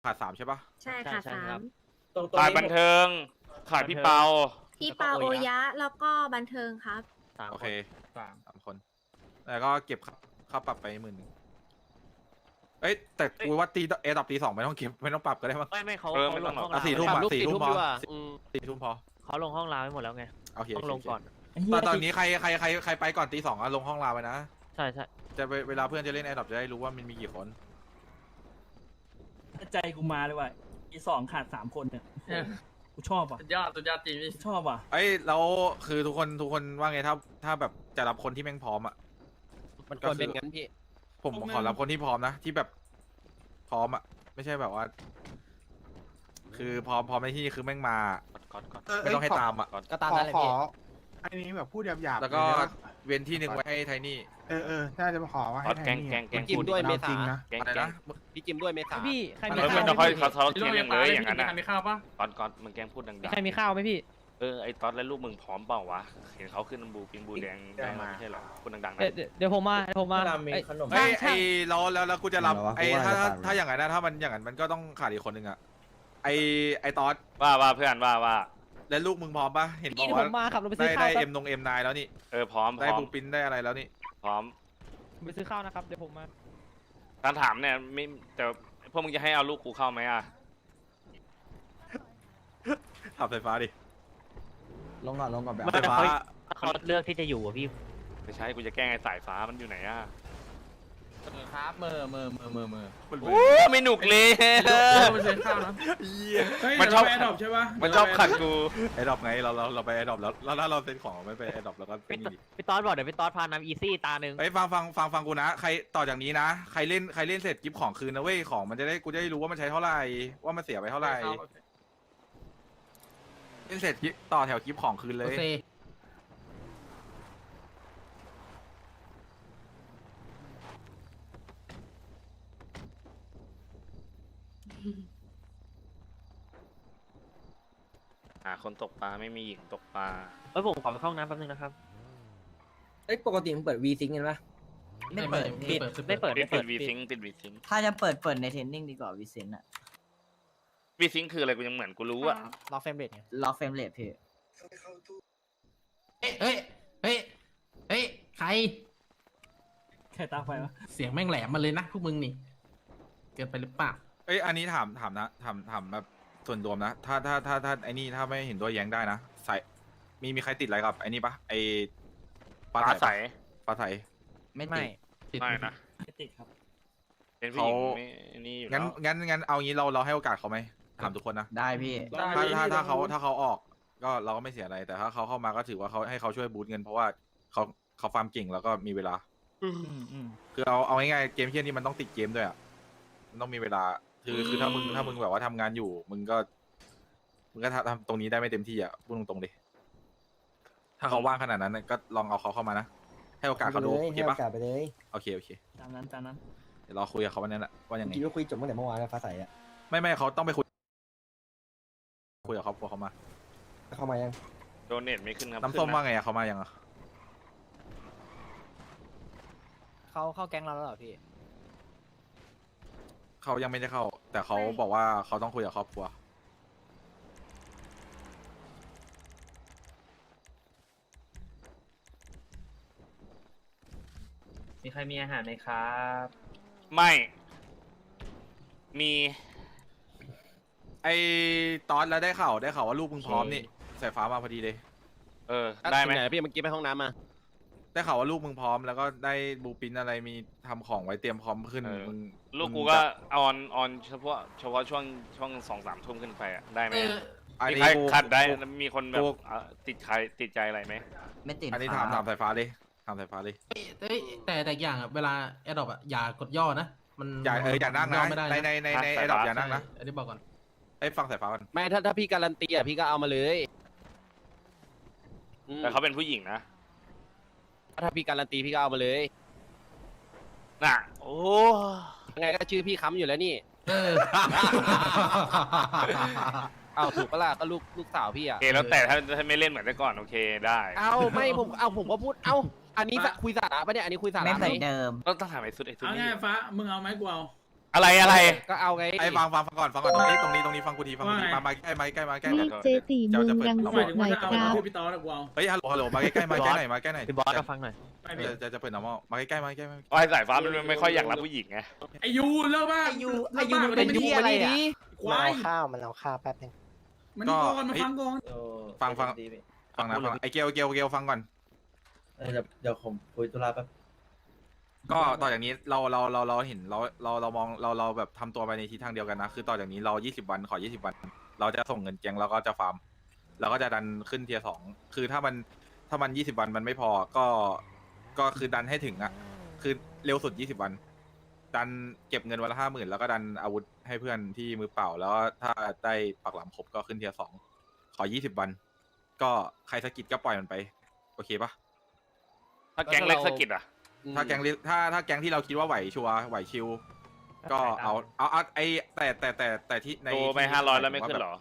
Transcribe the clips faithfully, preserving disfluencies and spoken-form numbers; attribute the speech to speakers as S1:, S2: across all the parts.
S1: ขาดสามใช่ปะ
S2: ใช่ค่ะสาม
S3: ขายบันเทิงขายพี่เปา
S2: พี่เปาโอยะแล้วก็บันเทิงครับ
S1: โอเคสามสามคนแล้วก็เก็บค่าค่าปรับไปหมื่นหนึ่งเอ้ยแต่กูว่าตีเอดับตีสองไม่ต้องเก็บไม่ต้องปรับก็ได้มั้ง
S4: ไม่ไม่เขา
S3: เออ
S4: เขา
S3: ไม่
S4: ล
S3: ต้อง
S4: งห้อง
S1: อ่ะ
S4: ราว
S1: สี่ทุ่ม
S4: ไว้
S1: อ่ะสี่ทุ่มพอ
S5: ดีกว่าอืม
S1: สี่ทุ่มพอ
S4: เขาลงห้องราวไปหมดแล้วไง
S1: โอเค
S4: ต้องลงก่อน
S1: ตอนตอนนี้ใครใครใครใครไปก่อนตีสองอะลงห้องลาไปนะ
S4: ใช่ใช่
S1: จะเวเวลาเพื่อนจะเล่นแอร์ดรอปจะได้รู้ว่ามันมีกี่คน
S6: ใจกูมาเลยว่ะอีสองขาดสามคนเนี่ยกูชอบว่ะ
S7: สุดยอดสุดยอดจริงพี่
S6: ชอบว่ะ
S1: เอ้ยแล้วคือทุกคนทุกคนว่าไงถ้าถ้าแบบจะรับคนที่แม่งพร้อมอ่ะ
S5: มันควรเป็นงั้นพี่
S1: ผมขอรับคนที่พร้อมนะที่แบบพร้อมอ่ะไม่ใช่แบบว่า คือพร้อมพร้อมในที่คือแม่งมา
S3: ก่อนก่อน
S1: ไม่ต้องให้ตามอ่ะ
S5: ก็ตาม
S8: ขอ
S5: นั้นเลย
S8: ขอ
S5: พี่
S8: อันนี้แบบพูดหยาบๆ
S1: แล้วก็
S8: เลยนะ
S1: เว้นที่หนึ่งไว้ให้ไทนี่
S8: เออเออน่าจะขอว่า
S3: ขอ
S8: ให้
S3: แก
S8: แท
S3: ง
S8: นนี่
S3: แกงแกง
S5: จิ้มด้วยเมษา
S8: จริงนะ
S3: แกง
S1: อะไร
S3: แกง
S1: นะ
S5: พี่จิมด้วยเมษา
S9: พี่ใครมี
S3: เออ
S9: ข้า
S3: ไม่
S9: ว
S3: ต้องค่อย
S9: ไหม
S3: เขาเขา
S7: พี่
S3: เทียงเลยอย่างนั้น
S7: มี
S3: นะ
S7: ใครมีข้าวปะ
S3: ก่อนก่อนมึงแกงพูดดัง
S9: ใครมีข้าวไหมพี่
S3: ๆเออไอ้ตอนและลูกมึงพร้อมเปล่าวะเห็นเขาขึ้นบูปิงบูแดงได้มาไม่ใช่เหรอพูดดังๆนะ
S9: เดี๋ยวเดี๋ยวเดี๋ยวผมมาเดี๋ยวผมมาเอ้ย
S1: ไอ้ย
S9: ช่าง
S1: ไอ้แล้วแล้วแล้วกูจะรับ
S10: เดี๋ยววะ
S1: ไอ้
S10: กูว่า
S1: ถ้า
S10: จะ
S1: ถ้า
S10: ตัด
S1: ถ้าอย่างนั้นนะถ้ามันอย่างนั้นมันก็ต้องขาดอีกคนหนึ่งอ่ะไอ้ไอ้ตอส
S3: ว่าว่าเพื่อนว่าว่า
S1: แล้วลูกมึงพร้อมปะเห็นบ
S9: พี่
S1: อก
S9: เดี๋ยว
S1: ว่า
S9: ผมมาขับรถไป
S1: ได้
S9: ซื้อข้า
S1: ได้
S9: วแป๊
S1: เอ็
S9: บ
S1: มนงเอ็มนายแล้วนี่
S3: เออพร้อมพ
S1: ได้
S3: ร้อม
S1: บูปินได้อะไรแล้วนี่
S3: พร้อม
S9: ไปซื้อข้าวนะครับเดี๋ยวผมมา
S3: การถามเนี่ยไม่แต่พวกมึงจะให้เอาลูกกูเข้าไหมอ่ะ
S1: ขับไฟฟ้าดิ
S10: ลงก่อนลงก่อนแบบ
S1: ไฟฟ้า
S4: เขาเลือกที่จะอยู่อะพี่
S3: ไม่ใช่กูจะแกล้งไอ้สายฟ้ามันอยู่ไหนอ่ะ
S5: ครับเมอร์เมอร์เมอร์เมอร์เมอร์
S3: โอ้ไม่หนุกเลย
S7: เออไปซื้อข้าวนะ
S3: มันชอบ
S7: แอร์ดรอปใช่ปะ
S3: มันชอบขัดกู
S1: ไอ้ดรอปไงเราเราเราไปไอ้ดรอปแล้วแล้วถ้าเราเซ็นของไม่ไปไอ้ดรอปแล้วก็เป็นอย่างนี้
S4: พี่ตอสบอกเดี๋ยวพี่ตอสพานำอีซี่ตาหนึ่ง
S1: ไอ้ยฟังฟังฟังฟังกูนะใครต่อจากนี้นะใครเล่นใครเล่นเสร็จกิฟต์ของคืนนะเว้ยของมันจะได้กูจะได้รู้ว่ามันใช้เท่าไหร่ว่ามันเสียไปเท่าไหร่เล่นเสร็จกิฟต์ต่อแถวกิฟต์ของคืนเลย
S3: หาคนตกปลาไม่มีหญิงตกปลา
S4: เอ้ยผมขอไปเข้าห้องน้ำแป๊บนึงนะครับ
S5: เอ้ยปกติมันเปิดวีซิงกันปะ
S9: ไม่เปิด
S4: ปิดไม่เปิด
S3: ปิด
S4: ไม่เปิด
S3: วีซิงปิดวีซิง
S10: ถ้าจะเปิดเปิดในเทรนนิ่งดีกว่าวิเซนอะ
S3: วีซิงคืออะไรกูยังเหมือนกูรู้อ่ะ
S5: ล็อกเฟรมเรทไง
S10: ล็อกเฟรมเรทพี่
S9: เฮ้ยเฮ้ยเฮ้ยเฮ้ยใคร
S6: แค่ตาไฟวะ
S9: เสียงแม่งแหลมมาเลยนะพวกมึงนี่เกินไปหรือเปล่า
S1: เอ้ยอันนี้ถามถามนะถามถามแบบส่วนรวมนะถ้าถ้าถ้าถ้าไอ้นี่ถ้าไม่เห็นด้วยแย้งได้นะใส่มีมีใครติดอะไรกับไอ้นี่ปะไอ้ปลา
S3: ปลาใส
S1: ใสปลาใส
S10: ไม่
S4: ไม่
S10: ติด
S3: ไม่นะ
S6: ไม่ติดครับ
S3: เป็นผู้หญิง
S1: เขา
S3: ไม่นี่อยู่
S1: งั้น
S3: แล้ว
S1: งั้นงั้นเอางี้เราเราให้โอกาสเขาไหมถามทุกคนนะ
S10: ได้พี่
S1: ถ้าถ้าถ้าเขาถ้าเขาออกก็เราก็ไม่เสียอะไร แต่ถ้าเขาเข้ามาก็ถือว่าเขาให้เขาช่วยบูตเงินเพราะว่าเขาเขาฟาร์มเก่งแล้วก็มีเวลา
S6: อืมอืม
S1: คือเอาเอาง่ายๆเกมเที่ยนี่มันต้องติดเกมด้วยอ่ะมันต้องมีเวลาคือคือถ้ามึงถ้ามึงแบบว่าทำงานอยู่ มึงก็มึงก็ทำทำตรงนี้ได้ไม่เต็มที่อ่ะพูดตรงๆเลยถ้าเขาว่างขนาดนั้นน่ะก็ลองเอาเขาเข้ามานะให้โอกาสเขาดูโอเคปะ
S10: ไปเลย
S1: โอเคโอเค
S6: ตามนั้นตามนั้น
S1: เดี๋ยวเราคุยกับเขาวันนั้นแหละว่ายังไง
S10: คิดว่าคุยจบตั้งแต่เมื่อวานแล้วฟ้าใสอะ
S1: ไม่ไม่เขาต้องไปคุยคุยกับครอบครัวเขามา
S10: เข้ามายัง
S3: โดเนทไม่ขึ้นครับ
S1: น้ำส้ม
S3: ขึ้ะ
S1: ว่าไงอะเขามายังอะ
S5: เขาเข้าแก๊งเราแล้วเหรอพี่
S1: เขายังไม่ได้เข้า แต่เขาบอกว่าเขาต้องคุยกับครอบครัว
S4: มีใครมีอาหารไหมครับ
S3: ไม่ มี
S1: ไอ้ตอนแล้วได้ข่าวได้ข่าวว่าลูกมึงพร้อมนี่สายฟ้ามาพอดีเลย
S3: เออได้ไหม
S5: พี่เมื่อกี้ไปห้องน้ำมา
S1: ได้ข่าวว่าลูกมึงพร้อมแล้วก็ได้บูปินอะไรมีทำของไว้เตรียมพร้อมขึ้นมึง
S3: ลูก
S1: มึง
S3: กูก็
S1: จะ
S3: ออนออนเฉพาะเฉพาะช่วงช่วงสองสามทุ่มขึ้นไปอ่ะได้ไหม
S1: อัน
S3: มี
S1: นี้
S3: ใคร
S1: กู
S3: ขัดได้
S1: กู
S3: มีคนแบบ
S1: กู
S3: เอ่อติดใครติดใจอะไรไหม
S10: ไม่ติด
S1: อันนี้
S10: ค
S1: ถาม
S10: รั
S1: ถา
S10: บ
S1: มสายฟ้าเลยถามสายฟ้าเลย
S9: เอ้ยแต่แต่อย่างอะเวลาแอดดอปอะอย่ากดย่อนะมัน
S1: อย่าเอออย่านั่ง
S9: ย่
S1: นะ
S9: ไม่ได้
S1: ในในในในไอ้ดอกอย่านั่งนะ
S9: ใช่อันนี้บอกก่อน
S1: ไอ้ยฟังสายฟ้าก่อน
S5: ไม่ถ้าถ้าพี่การันตีอ่ะพี่ก็เอามาเลยอืม
S3: แต่เขาเป็นผู้หญิงนะ
S5: ถ้าพี่การันตีพี่ก็เอามาเลย
S3: น่ะโอ้
S5: ยังไงก็ชื่อพี่ค้ำอยู่แล้วนี่
S9: เออ
S5: เอาถูกปะล่ะก็ลูกลูกสาวพี่อ่ะ
S3: โอเคแล้วแต่ถ้าถ้าไม่เล่นเหมือนแต่ก่อนโอเคได้
S5: เอาไม่ผมเอาผมก็พูดเอาอันนี้สะคุยสาระปะเนี่ยอันนี้คุยสา
S10: ไม่
S5: ระ
S10: เห
S5: ไหม
S10: มือนเดิม
S3: ต้องต้องถามไอ้สุดไอ้สุด
S7: เอา
S3: นี่
S7: ง่ายฟ้ามึงเอาไหมกูเอา
S3: อะไรอะไร
S4: ก็เอาไง
S1: ไอ้ฟังฟังฟังก่อนฟังก่อนตรงนี้ตรงนี้ตรงนี้ฟังกูทีฟังกูที
S7: ว่าไง
S1: มามาใกล้มาใกล้มาใกล้
S11: เรียกเจตีเมืองรัง
S7: ห
S11: สิ
S7: มาย
S11: ต
S7: ถึง
S11: หน่
S7: ว่า
S11: อย
S7: ถ้าเอา
S11: ครับ
S7: พูดพี่ต๊อดกูเอา
S1: เฮ้ยฮัลโหลฮัลโหลมาใกล้ๆมาใกล้หน่อยมาใกล้หน่อย
S4: พี่บอสก็ฟังหน่อย
S7: ไปพี่
S1: จะจะจะเปิดน้ำมามาใกล้ๆมาใกล้ๆมา
S3: ไอ้สายฟ้ามันไม่ค่อยอยากรับผู้หญิงไง
S7: ไอยูเลิกบ้า
S10: ไอยู
S7: ไอยูมันเป็นยูอะไรอ่ะควาย
S10: ข้าวมันเอาข้าวแป๊บนึง
S7: มันนี่ก่อนมาฟังก่อน
S1: ฟังฟังฟังนะฟังไอ้เกลเกลเกลฟังก่อน
S10: เดี๋ยวเดี๋ยวผมคุยธุระแป๊บ
S1: ก็ต่อจากนี้เราเราเราเราเห็นเราเราเรามองเราเราแบบทำตัวไปในทิศทางเดียวกันนะคือต่อจากนี้เรายี่สิบวันขอยี่สิบวัน เราจะส่งเงินแกงแล้วก็จะฟาร์มแล้วก็จะดันขึ้นเทียร์สองคือถ้ามันถ้ามันยี่สิบวันมันไม่พอก็ก็คือดันให้ถึงอ่ะคือเร็วสุดยี่สิบวัน ดันเก็บเงินวันละห้าหมื่นแล้วก็ดันอาวุธให้เพื่อนที่มือเปล่า แล้วถ้าได้ปักหลังครบก็ขึ้นเทียร์สองขอยี่สิบวัน ก็ใครสกิดก็ปล่อยมันไปโอเคปะ
S3: ถ้าแก๊งเล็กสกิดอ่ะ
S1: ถ้าแก๊งลิถ้าถ้าแก๊งที่เราคิดว่าไหวชัวร์ไหวชิว ก็เอาเอาเอาไอแต่แต่แต่แต่ที่ใน
S3: โตไป
S1: ที่
S3: ห้าร้อยแล้วไม่
S1: า
S3: ขึ้น
S1: แบบ
S3: เหรอ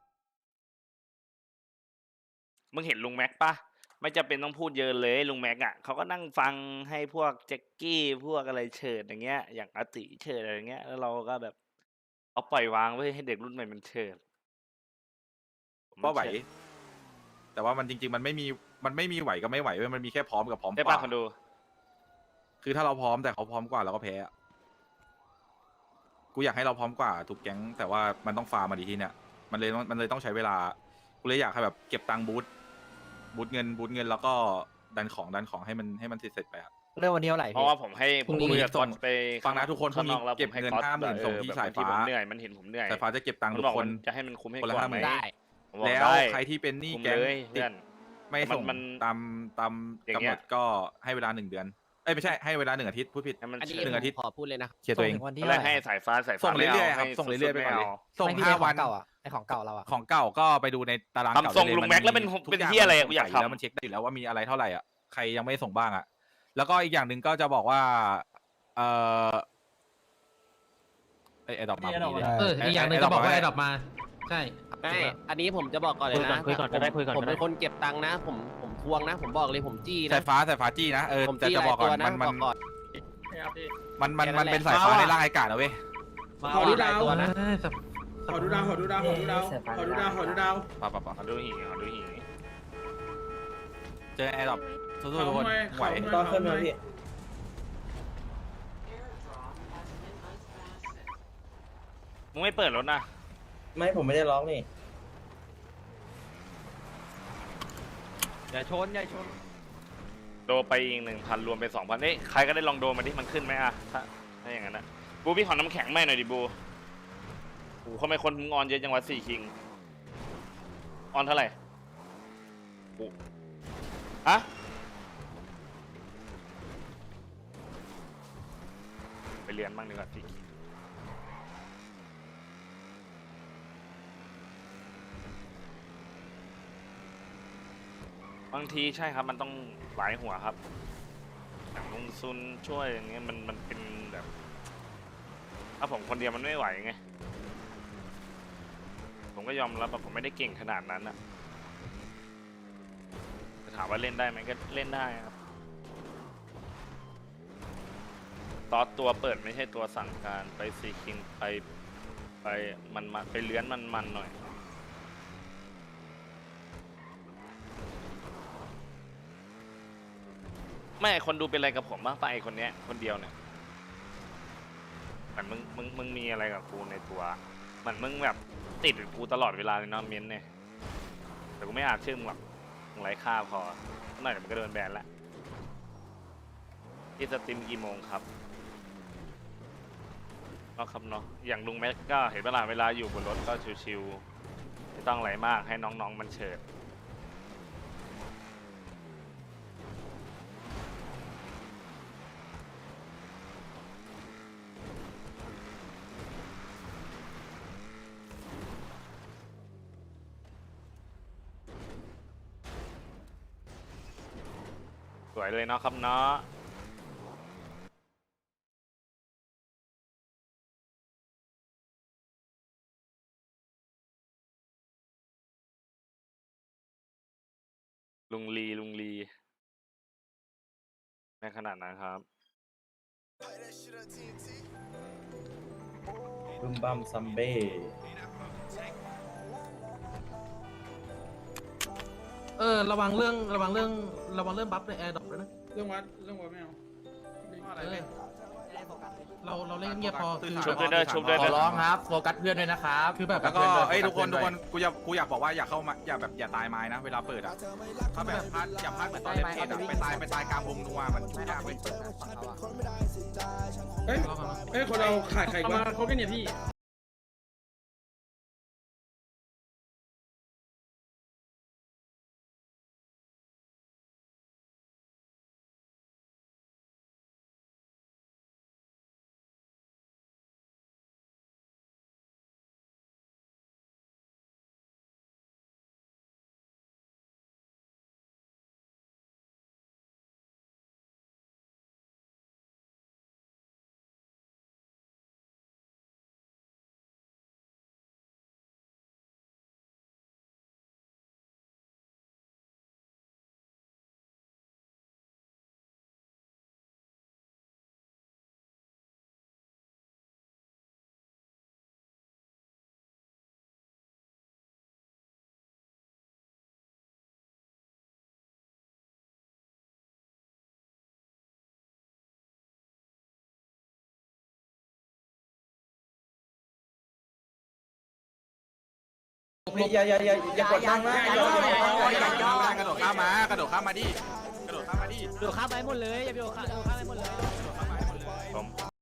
S3: มึงเห็นลุงแม็กปะไม่จำเป็นต้องพูดเยอะเลยลุงแม็กอ่ะเขาก็นั่งฟังให้พวกแจ็คกี้พวกอะไรเฉิดอย่างเงี้ย อย่างอาติเฉิดอะไรเงี้ย แล้วเราก็แบบเอาปล่อยวางไว้ให้เด็กรุ่นใหม่มันเฉิด
S1: ว่าไหว แต่ว่ามันจริง ๆ มันไม่มีมันไม่มีไหวก็ไม่ไหวเว้ยมันมีแค่พร้อมกับพร้อม
S3: ได้
S1: ก
S3: ปะ
S1: ว่า
S3: คนดู
S1: คือถ้าเราพร้อมแต่เขาพร้อมกว่าเราก็แพ้อะกูอยากให้เราพร้อมกว่าถูกแก๊งแต่ว่ามันต้องฟาร์มมาดีที่เนี่ยมันเลยมันเลยต้องใช้เวลากูเลยอยากให้แบบเก็บตังค์บูทบูทเงินบูทเงินแล้วก็ดันของดันของให้มันให้มันเสร็จๆไปอะ
S10: เรื่องวันนี้เท่าไหร่
S3: เพราะว่าผมให้
S1: พรุ่งนี้
S3: คุยกับ
S1: ส่
S3: ก๊อง ตไป
S1: ฟังนะทุกคนพรุ่งนี้
S3: ข้างอกแล้ว
S1: เก็บ
S3: ผมให้
S1: เงิน
S3: ก๊อต
S1: ห้าหมื่น
S3: แบบ
S1: ส่งที่
S3: เออ
S1: สาย
S3: แบบที่
S1: ฟ้า
S3: ผมเหนื่อยมันเห็นผมเหนื่อย
S1: สายฟ้าจะเก็บตังค์
S3: มั
S1: ทุ
S3: น
S1: ก
S3: บอก
S1: ค
S3: มัน นจะให้มันคุ้มให้
S1: คนละ
S3: กว่า
S1: ห้าห
S3: ไห
S1: มื่
S3: ม
S1: น
S10: ได้
S3: ผมบอก
S1: แล้ว
S3: ได้
S1: ใครที่เป็นหนี้
S3: คุ้ม
S1: แก๊ง
S3: เลย
S1: ติ
S3: เพื่
S1: ด
S3: อน
S1: ไม่
S3: มัน
S1: ส่ง
S3: มัน
S1: ตามตาม
S3: อย่าง
S1: กำ
S3: เงี้
S1: หน
S3: ย
S1: ดก็ให้เวลาหนึ่งเดือนเอ้ยไม่ใช่ให้เวลาหนึ่งอาทิตย์พูดผิด
S3: ให้มัน
S10: อันนี้
S3: เฉิด
S1: หนึ่งอาทิตย์
S10: ขอพูดเลยนะ
S1: เคลียร์ตัวเอง
S10: วันที่
S3: ตอน
S10: เท่า
S3: แร
S10: ไห
S3: ก
S10: ร่
S3: ให้สายฟ้าสายฟ้า
S1: ส่งเรื่อยๆครับ
S3: ไม่า
S1: ส่งเรื่อยๆไปก่อนเลย
S3: ม่า
S1: ส่ง
S10: ไม่พี่
S1: ห้า
S10: ข
S1: วั
S10: อน งเก่าอ่ะไอของเก่าเราอ่ะ
S1: ของเก่าก็ไปดูในตาราง
S3: ทำ
S1: เก่า
S3: ทรง
S1: ได้
S3: ลุงแม็กแล้วเป็น
S1: ทุ
S3: เป็น
S1: ย่าง
S3: เหี้ยอะไรอะ
S1: มัน
S3: กูอยาก
S1: ใส่แล้ว
S3: ทำ
S1: มันเช็คได้อยู่แล้วว่ามีอะไรเท่าไหร่อ่ะใครยังไม่ส่งบ้างอ่ะแล้วก็อีกอย่างหนึ่งก็จะบอกว่าเออไอไอดอกมาพอดีเลย
S9: เอออีกอย่างหนึ่งจะบอกว่าไอ้ดอกมา ใช่
S10: ไม่อันนี้ผมจะบอกก่อนเลยนะ
S4: คุยก่อนคุยก่อนก็ได้คุยก่อน
S10: ผม
S4: ก็ได้
S10: เป็นคนเก็บตังค์นะ ผมผมทวงนะ ผมบอกเลยผมจี้
S1: สา
S10: นะ
S1: ยฟ้าสายฟ้าจี้นะเออ
S10: ผม
S1: จะ
S10: จี้
S1: จะ
S10: หลา
S1: บอก
S10: ย
S1: ก่
S10: ตั
S1: อ
S10: วน นะ
S1: มัน
S10: บ
S1: มัน
S10: อกก่อน
S1: มันมันมัน
S10: แค่นั้นแหละ
S1: เป็นสายฟ้าในร่างไอกาดนะเว้ย
S7: ขอดูดาว
S10: ตัวนะ
S7: ขอดูดาวขอดูดาวขอดูดาวขอดูดาวขอดูดาว
S1: ป่ะป่ะป่ะ
S3: ขอดูหีขอดูหี
S1: เจอไอดอกสู้ๆทุกคนไหว
S7: ตอนขึ้นมาพี่
S3: มึงไม่เปิดรถนะ
S10: ไม่ผมไม่ได้ร้องนี่
S4: อย่าชนอย่าชน
S3: โดไปอีกหนึ่งพันรวมเป็นสองพันเอ้ยใครก็ได้ลองโดมาดิมันขึ้นไหมอะถ้าถ้าอย่างนั้นนะบูพี่ขอน้ำแข็งไม่หน่อยดิบูโอ้โหทำไมคนมึงออนเยอะจังวะสี่คิงออนเท่าไหร่โอ้ฮะไปเรียนบ้างดีกว่าสี่คิงบางทีใช่ครับมันต้องหลายหัวครับอย่างลงซุนช่วยอย่างเงี้ยมันมันเป็นแบบ ถ้าผมคนเดียวมันไม่ไหวไงผมก็ยอมรับว่าผมไม่ได้เก่งขนาดนั้นนะจะถามว่าเล่นได้ไหมก็เล่นได้ครับตอสตัวเปิดไม่ใช่ตัวสั่งการไปซีคิงไปไปมันมาไปเลื้อนมันมันหน่อยไม่คนดูเป็นอะไรกับผมบ้างปะไอคนเนี้ยคนเดียวเนี่ยเหมือนมึงมึงมึงมีอะไรกับกูในตัวเหมือนมึงแบบติดกับกูตลอดเวลาเลยเนาะเม้นเนี่ยแต่กูไม่อาจชื่อมึงหรอกมึงไร้ค่าพอหน่อยเดี๋ยวมันก็โดนแบนละที่สตรีมกี่โมงครับก็ครับเนาะอย่างลุงแม็กก็เห็นเวลาเวลาอยู่บนรถก็ชิวๆไม่ต้องอะไรมากให้น้องๆมันเฉิดสวยเลยเนาะครับเนาะลุงลีลุงลีในขนาดนั้นครับ
S10: บึมบัมซัมเบ้
S9: เออระวังเรื่องระวังเรื่องระวังเรื่องบัฟในแอร์ดรอปด้วยนะ
S7: เรื่องวัดเรื่องวัดไม่เอา
S1: อะไรเว้ย
S9: เราเราเล่นเงียบพอคือ
S3: ชุบด้วยเด้อชุบด้วย
S5: ขอ
S3: เด้อ
S5: ร้องครับโฟกัสเพื่อนด้วยนะครับ
S9: คือแบบ
S1: แล้วก็เอ้ยทุกคนทุกคนกูอยากกูอยากบอกว่าอย่าเข้ามาอย่าแบบอย่าตายไม้นะเวลาเปิดอ่ะถ้าแบบพลาดอย่าพลาดเหมือนตอนเล่นเกมอะไปตายไปตายกลางวงนัวมันยากเว้ย
S7: เฮ้ยเฮ้ยคนเราขาดใครวะเขากันเนี่ยพี่
S10: อย่าอย่าอย่าอย่ากดนั่งนะ
S1: กระโดดข้ามมากระโดดข้ามมาดิกระโดดข้ามมาดิ
S4: โดดข้ามไปหมดเลยอย่าไปโดดข้ามโดดข้ามไปหมดเลย
S3: ผม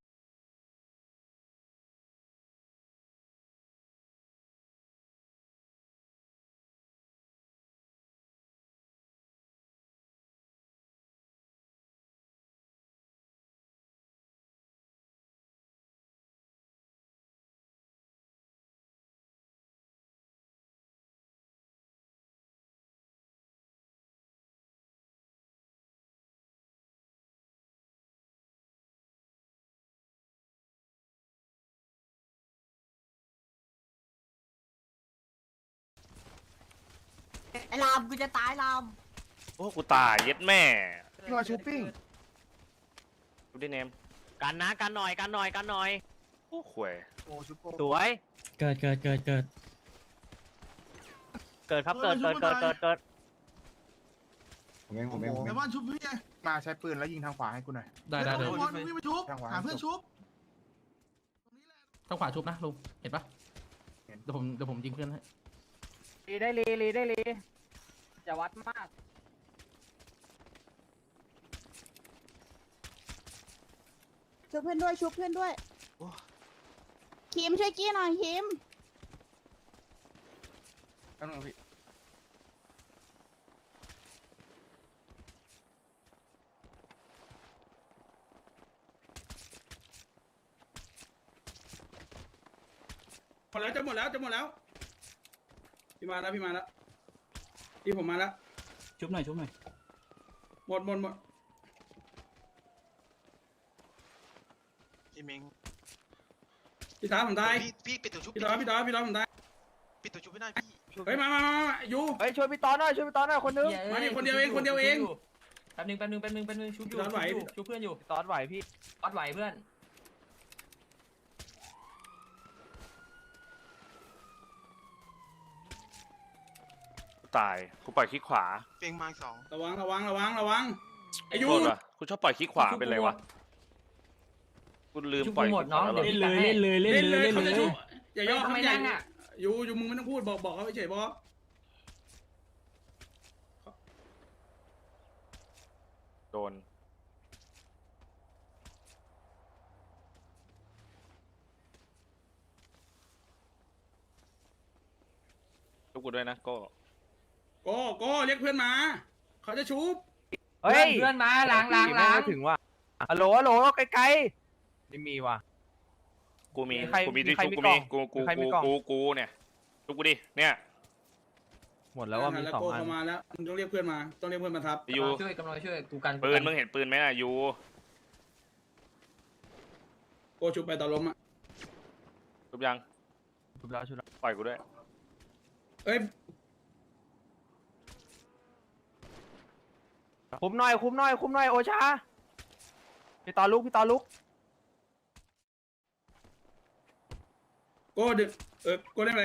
S2: ไอ้ลามกูจะตายลาม
S3: โอ้กูตายเย็ดแม่
S8: พี่มาชูปิ้ง
S3: ดูดิเนม
S4: กันนะกันหน่อยกันหน่อยกันหน่อย
S3: โอ้ข่วย
S8: โอ้ชูโป
S4: สวย
S10: เกิดเกิดเกิดเกิด
S4: เกิดครับเกิดเกิดเกิดเกิดเกิด
S8: ผมเองผมเองแต่ว่าชุบพี่มาใช้ปืนแล้วยิงทางขวาให้กูหน่อย
S9: ได้ได้เลย
S8: วิ่งไปชุบหาเพื่อนชุบ
S9: ต้องขวาชุบนะลุงเห็นปะเดี๋ยวผมเดี๋ยวผมยิงเพื่อนให้
S4: รีได้รีรีได้รีจะวัดมาก
S2: ชุบเพื่อนด้วยชุบเพื่อนด้วยคิมช่วยกี้หน่อยคิม
S1: นั่นเองพี่หมดแล้วจะหมดแล้วจะหมดแล้วพี่มาแล้วพี่มาแล้วพี่ผมมาแล้ว
S6: ชุบหน่อยชุบหน่อย
S1: หมดหมดหมด
S11: พี่เมง
S1: พี่ตาผมตาย
S11: พี่พี่ปิดตัวชุบ
S1: พี่ตาพี่ตาพี่ตาผมตาย
S11: ปิดตัวชุบไม่ได้พี่
S1: เฮ้ยมามามามาอยู่
S4: เฮ้ยช่วยพี่ตอนหน่อยช่วยพี่ตอนหน่อยคนนึง
S1: มานี่คนเดียวเองคนเดียวเอง
S6: แป๊บนึงแป๊บนึงแป๊บนึงแป๊บนึงชุบอยู่
S1: ร้อนไหว
S6: ชุบเพื่อนอยู่
S4: ตอนไหวพี่
S6: วัดไหวเพื่อน
S3: ตายกูปล่อยคลิกขวา
S11: เพียงมาสอง
S1: ระวังระวังระวังระวังไอายุ
S3: โทษว่ะกูชอบปล่อยคลิกขวาเป็นไรวะกูลืม
S6: ชุบ
S3: ปล่อย
S6: หมดน้อง
S3: คลิกขวา
S6: เดี๋ยวเล่นเลยเล่นเลย
S1: เล่นเลย
S6: เล่น
S1: เขา
S6: เล
S1: จะ
S6: ย
S1: ชุบอย่าย่อ
S6: ทำ
S1: คำ
S6: ไม
S1: ใหญ่
S6: นั่งอ่ะ
S1: อยู่อยู่มึงไม่ต้องพูดบอกบอกเขาเฉยๆบอส
S3: โดนชุบกูด้วยนะโก็
S1: โก้โก้เรียกเพื่อนมาเขาจะชุบ
S4: เฮ้ย
S6: เพื่อนมาล้างล้างล้าง
S4: ถึงว่ะฮัลโหลฮัลโหลไกลๆไม่มีว่ะ
S3: กูมี
S4: มีใคร
S3: กูมี
S4: มี
S3: ที่
S4: ใคร
S3: ชุบ
S4: มี
S3: กู
S4: กล่
S3: มี
S4: อง
S3: กูกู
S4: มีใครมี
S3: กู
S4: กล่อง
S3: กูกูเนี่ยชุบกูดิเนี่ย
S4: หมดแล้วว่ามี
S1: แล้ว
S4: สอง
S1: โก้
S4: อัน
S1: เข้ามาแล้วมึงต้องเรียกเพื่อนมาต้องเรียกเพื่อนมาทับ
S3: ยู
S6: ช่วยกำลังช่วยกูกัน
S3: ปืนมึงเห็นปืนไหมน่ะยู
S1: โก้ชุบไปตอนล้มอ่ะ
S3: ชุบยัง
S4: ชุบแล้วชุบแล้ว
S3: ปล่อยกูด้วย
S1: เอ้ย
S4: คุมหน่อยคุมหน่อยคุมหน่อยโอชาพี่ตอนลุกพี่ตอนลุก
S7: โก้ดึงเออโก้เล่นอะไร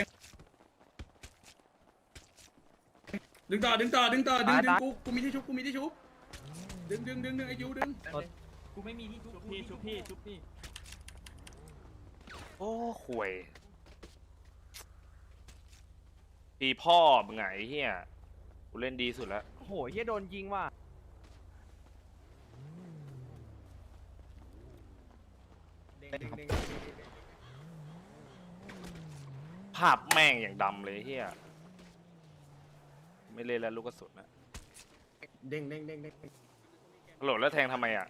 S7: ดึงต่อดึงต่อดึงต่อดึงดึงกูกูมีที่ชุบกูมีที่ชุบดึงดึงดึงดึงไอ้ยูดึง
S6: กูไม่มีที่ชุบพี่ชุบพี่ชุบพี่
S3: โอ้ข่วยตีพ่อมึงไงเฮียกูเล่นดีสุดแล้ว
S4: โอ้โหเฮียโดนยิงว่ะ
S3: ภาพแม่งอย่างดำเลยเฮียไม่เล่นแล้วลูกกระสุนนะ
S8: เด้งเด้งเด้งเด้ง
S3: โหลดแล้วแทงทำไมอ่ะ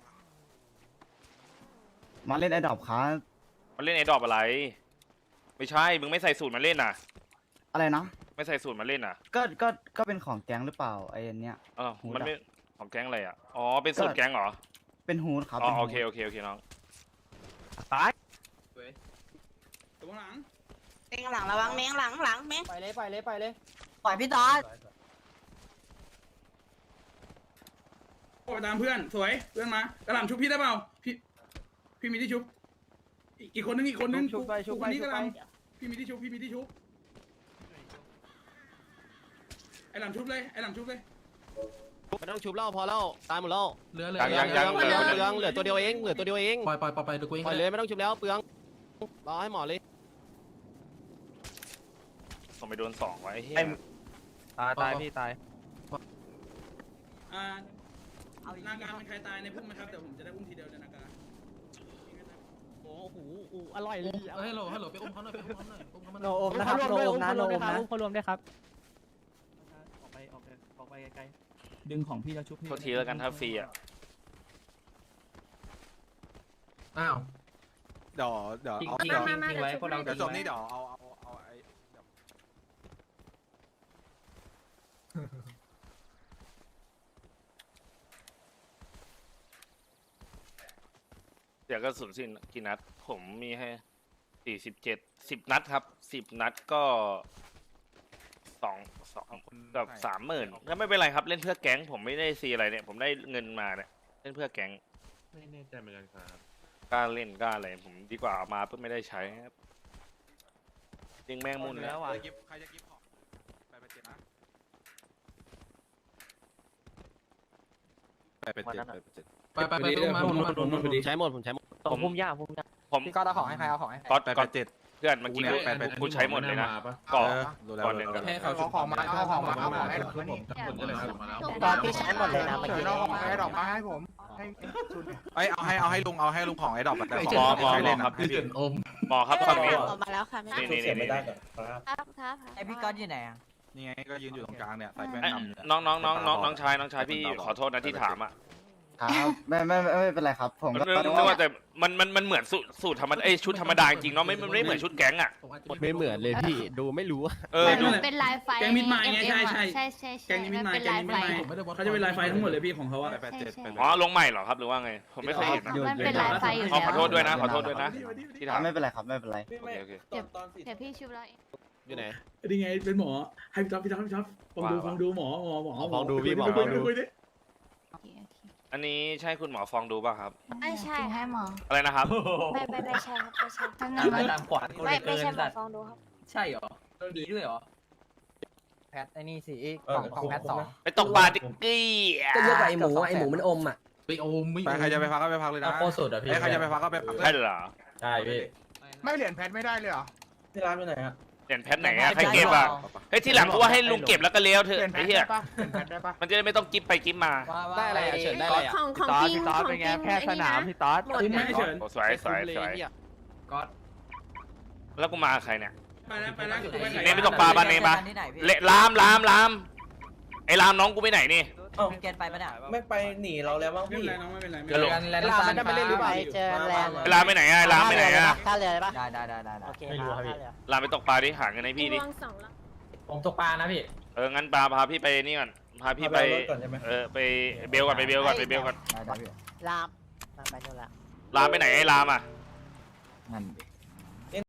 S10: มาเล่นไอ้ดอกครับ
S3: มันเล่นไอ้ดอกอะไร ไม่ใช่ มึงไม่ใส่สูตรมาเล่นน่ะ
S10: อะไรนะ
S3: ไม่ใส่สูตรมาเล่นน่ะ
S10: ก็ก็ก็เป็นของแก๊งหรือเปล่าไอ้อันเนี้ย
S3: เออ
S10: หูดับ
S3: มันไม่ของแก๊งอะไรอ่ะ อ๋อ เป็นสูตรแก๊งเหรอ
S10: เป็นฮูดครับ
S3: อ๋อ
S10: ป็น
S3: โอ
S10: ฮูด
S3: เคโอเคโอเคน้อง
S4: ตาย
S7: ตัวหลัง
S2: เมงหลังระวังเมงหลังหลังเมง
S4: ไปเลยไปเลยไปเลย
S2: ปล่อยพี่ตอด
S7: โอ้ไปตามเพื่อนสวยเพื่อนมากระหล่ำชุบพี่ได้เปล่าพี่พี่มีที่ชุบอีกอีกคนนึงอีกคนนึง
S4: ชุบไปชุบไป
S7: คนนี้
S4: ชุ
S7: ก
S4: บ
S7: ระห
S4: ไป
S7: ล่ำพี่มีที่ชุบพี่มีที่ชุบไอ้หล่ำชุบเลยไอ้หล่ำชุบเลย
S5: ไม่ต้องชุบแล้วพอแล้วตายหมดแล้ว
S9: เหลือเหลือ
S3: ยังยังยัง
S5: เหลือเปลืองเหลือตัวเดียวเองเหลือตัวเดียวเอง
S9: ปล่อยปล่อยปล่อยปล่อยเดี๋ยวกูเอง
S5: ปล่อยเลยไม่ต้องชุบแล้วเปลืองรอให้หมอเลย
S3: ผมไปโดนสองไว้ไอ้เฮีย
S4: ตายตายพี่ตาย
S7: อ่านาการเป็นใครตายในพุ่มไหมครับแต่ผมจะได้อุ้มทีเดียวเลยนาการ
S4: โอ้โหอร่อยเลย
S9: เฮ้ยฮัลโหลฮัลโหลไปอุ้มเขาหน่อยไปอุ้มเขาหน่อยอุ้มเขามาห
S4: โน
S9: น่อย
S4: โอมนะครับโนโอมนะโนโอมนะเขารวมด้วยครับออกไปออกไปออกไปไกล
S6: ดึงของพี่แล้วชุบพี่
S3: โทษทีแล้วกันถ้าฟรีอ่ะ
S9: อ้าว
S1: เดี๋ยวเดี๋ยวเอา
S5: ทิ้ง
S1: เดี๋ยว
S5: ทิ้งทิ้งไว้พวกเรา
S1: เดี๋ยวจบนี่เดี๋ยวเอาเอาเอาไอ้เดี๋ยว
S3: เดี๋ยวก็สุนสิ้นกี่นัด ผมมีให้สี่สิบเจ็ดสิบนัดครับสิบนัดก็สองสองกับสามหมื่นก็ไม่เป็นไรครับเล่นเพื่อแก๊งผมไม่ได้ซีอะไรเนี่ยผมได้เงินมาเนี่ยเล่นเพื่อแก๊ง
S5: ไม่แน่ใจเหมือนกันครับ
S3: กล้าเล่นกล้าอะไรผมดีกว่าเอามาเพื่อไม่ได้ใช้ครับจริงแม่งมุน
S1: ใคร
S3: แล้ว
S1: จะกิฟใครจะกิฟของไปไปเจ็ดนะไปไปเจ็ดไปไปเจ็ด
S9: ไปไปไปอุ้มมาอุ้มมาอุ้มมา
S5: ใช้หมดผมใช้หมด
S3: ผม
S4: พุ่มยากพุ่มยาก
S3: ผม
S4: พี่ก็เอาของให้ใครเอาของให้
S3: ก๊อต
S1: ไป
S3: ก๊
S1: ไป
S3: อต
S1: เจ็ด
S3: เพื่อนเมื่อกี้
S1: กูเนี่ยไปไป
S3: กูใช้หมดเลยนะก่อน ก่อนหนึ่งกัน
S8: ให้เขาเอาของมาเอาของมาเอาของให้ผม
S4: ตอนพี่ใช้หมดเลยนะเมื่อ
S8: เชิ
S4: กี้
S8: ญเอาของให้ดอกมาให้ผมให้ชุด
S1: ไอยเอาให้เอาให้ลุงเอาให้ลุงของไอ้ดอกแต่
S3: หมอหมอ
S1: ใคร
S3: หมอ
S1: เล่น
S3: ครับ
S1: ให้พี่
S9: อม
S3: หมอครับฝั่งนี้
S2: ออกมาแล้วค่ะแม่
S3: นี่นี่นี่นี่
S2: ครับครับ
S4: ไอพี่ก๊อตอยู่ไหนอ่ะ
S1: นี่ไงก็ยืนอยู่ตรงกลางเนี่ยใส่แว่น
S3: ไอ้
S1: ดำเนี่ย
S3: น้องน้องน้องน้องน้องชายน้องชายพี่ขอโทษนะที่ถามอ่ะ
S10: ครับไม่ไม่ไม่ไม่เป็นไรครับ ผม
S3: มัน
S10: ก็
S3: ไม่ไม่ว่าแต่มันมันมันเหมือนสูตรสูตรธรรมดาเอ้ยชุดธรรมดาจริงเนาะไม่มันไม่เหมือนชุดแก๊งอ่ะ
S9: ผมอาจจะ
S5: ไม่เหมือนเลยพี่ดูไม่รู้
S3: เออดู
S2: เป็นลายไฟ
S7: แกงมิดไมล์ไงใช่ใช่
S2: ใช่ใช่
S7: แกงนี้มิดไมล์แกงนี้มิดไมล์เขาจะเป็นลายไฟทั้งหมดเลยพี่ของเขาอะ
S1: ไปไปเจ็ดไป
S3: อ๋อลงใหม่เหรอครับหรือว่าไงผมไม่เคยเห็นนะ
S2: มันเป็นลายไฟอยู่
S3: อ๋อ
S2: แล้ว
S3: ขอโทษด้วยนะขอโทษด้วยนะที่ถาม
S10: ไม่เป็นไรครับไม่เป็นไร
S3: โอเคโอเค
S2: เดี๋ยวพี่ชุบแล้วเอง
S5: อยู่ไหน
S7: นี่ไงเป็นหมอให้พี่ท็อปพี่ท็อปพี่ท็อปฟังดูฟังดูหมอหมอหมอ
S5: ฟังดูพี่หมอฟังดู
S7: คุยดิ
S2: โอเคโอเค
S3: อันนี้ใช่คุณหมอฟองดูป่ะครับ
S2: ไม่ใช่ให้หมอ
S3: อะไรนะครับ
S2: ไม่ไม่ไม่ใช่ครับไม่ใช่ทั้งนั้น
S6: ไม่ตามขวานกูเล
S2: ไม่
S6: ย
S2: ไม่
S6: เกิน
S2: ใช่หมอ
S6: สัตว์
S2: ฟองดูครับ
S6: ใช่เหรอดีด้วยเหรอ
S4: แพทไอ้นี่สิของของแพทสอง
S3: ไปตกปลาดิกี้
S4: ก็เยอะกว่าไอหมูไอหมูมันอมอ่ะ
S9: ไปอมไม่
S1: ไปใครจะไปพักก็ไปพักเลยนะ
S6: โคตรสุดอ่ะพี่
S1: ไอ้ใครจะไปพักก็ไปพัก
S3: ใช่เหรอ
S6: ใช่พี่
S8: ไม่เหรียญแพทไม่ได้เลยเหรอ
S10: ที่ร้านไปไหนฮะ
S3: เปลี่ยนแพทไหนอะใครเก็บอะเฮ้ยที่หลังกูว่าให้ลุงเก็บแล้วก็เลี้ยวเถ
S8: เปลี่
S3: อะ
S8: ยนแพ
S3: ไอ้
S8: ท
S3: เหี้ย
S8: ได้ปะเปลี่ยนแพทได้ปะ
S3: มันจะได้ไม่ต้องกิ๊บไปกิ๊บมา
S5: ได้อะไรอะเฉินได้อะไรอะ
S2: ของของจริงของจริงแพทย์สนามพี่ต๊อดหมด
S7: คุ้มไหมเฉิน
S3: โอ้สวยสวยสวย
S6: ก๊อต
S3: แล้วกูมากับใครเนี่ย
S7: ไปแล้วไปแล้วกูไป
S3: เนมไปตกปลาบ้านเนมปะเละลามลามลามไอ้ลามน้องกูไปไหนนี่
S4: เกณฑ์ไปปะเนี่ย
S10: ไม่ไปหนีเราแล้วมั้ง
S7: ไม่
S10: พี่
S7: เป็นไรน้องไม่เป็นไรไม่
S3: จะ
S7: เป็น
S3: ลง
S7: ไร
S6: แลนด์ซัน
S5: ไม่ได้เล่นหรือเปล่า
S4: เจอแลนด์
S3: ไอ้ลามไปไหนอะไอ้ลามไปไหนอะ
S4: ท่าเรือปะได้ได้ได้ได้โอเค
S6: ไม่รู้ครับพี่
S3: ลามไปตกปลาดิหาเงินให้พี่ดิ
S6: ผมตกปลานะพี่
S3: เอองั้นปลาพาพี่ไปนี่ก่อนพาพี่ไปเออไปเบลก่อนไปเบลก่อนไปเบลก่อน
S4: ลามไปนู่นละ
S3: ลามไปไหนไอ้ลามอะ
S4: นั่น